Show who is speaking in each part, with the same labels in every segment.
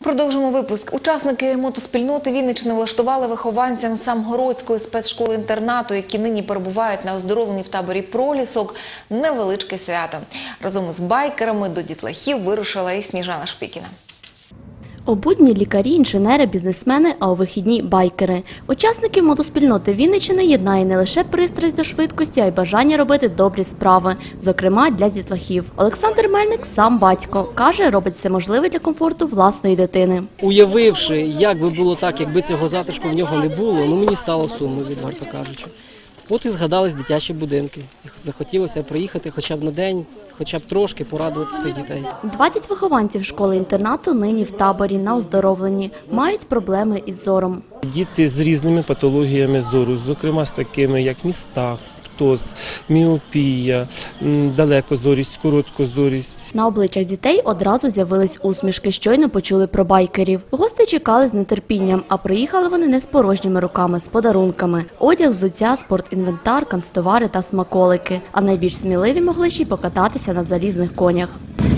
Speaker 1: Продовжимо випуск. Учасники мотоспільноти Вінниччини влаштували вихованцям Самгородської спецшколи-інтернату, які нині перебувають на оздоровленні в таборі «Пролісок», невеличке свято. Разом із байкерами до дітлахів вирушила і Сніжана Шпікіна.
Speaker 2: У будні – лікарі, інженери, бізнесмени, а у вихідні – байкери. Учасників мотоспільноти Вінниччини єднає не лише пристрасть до швидкості, а й бажання робити добрі справи, зокрема для дітлахів. Олександр Мельник – сам батько. Каже, робить все можливе для комфорту власної дитини.
Speaker 3: Уявивши, як би було так, якби цього затишку в нього не було, мені стало сумно, відверто кажучи. От і згадались дитячі будинки. Захотілося приїхати хоча б на день, хоча б трошки порадувати цих дітей.
Speaker 2: 20 вихованців школи-інтернату нині в таборі на оздоровленні. Мають проблеми із зором.
Speaker 4: Діти з різними патологіями зору, зокрема з такими, як ністах, птоз, міопія, далекозорість, короткозорість.
Speaker 2: На обличчях дітей одразу з'явились усмішки, щойно почули про байкерів. Гості чекали з нетерпінням, а приїхали вони не з порожніми руками, з подарунками. Одяг, взуття, спортінвентар, канцтовари та смаколики. А найбільш сміливі могли ще й покататися на залізних конях.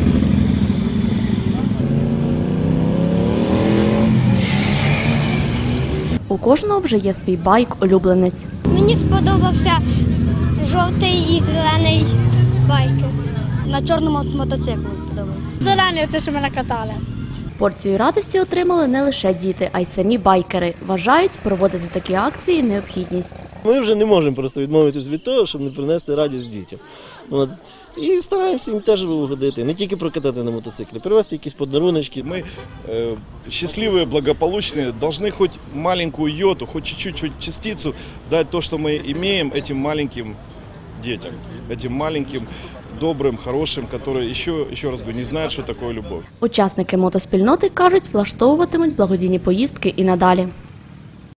Speaker 2: У кожного вже є свій байк-улюбленець.
Speaker 5: Мені сподобався жовтий і зелений байки.
Speaker 6: На чорному мотоциклу сподобався.
Speaker 7: Зелені, те, що мене катали.
Speaker 2: Порцію радості отримали не лише діти, а й самі байкери. Вважають, проводити такі акції – необхідність.
Speaker 8: Ми вже не можемо просто відмовитися від того, щоб не принести радість дітям. І стараємося їм теж угодити, не тільки прокатати на мотоциклі, привезти якісь подаруночки.
Speaker 9: Мы счастливые, благополучные, должны хоть маленькую йоту, хоть чуть-чуть частицу дать то, что мы имеем этим маленьким детям, этим маленьким, добрым, хорошим, которые еще раз говорю, не знают, что такое любовь.
Speaker 2: Учасники мотоспільноти кажуть, влаштовуватимуть благодійні поїздки і надалі.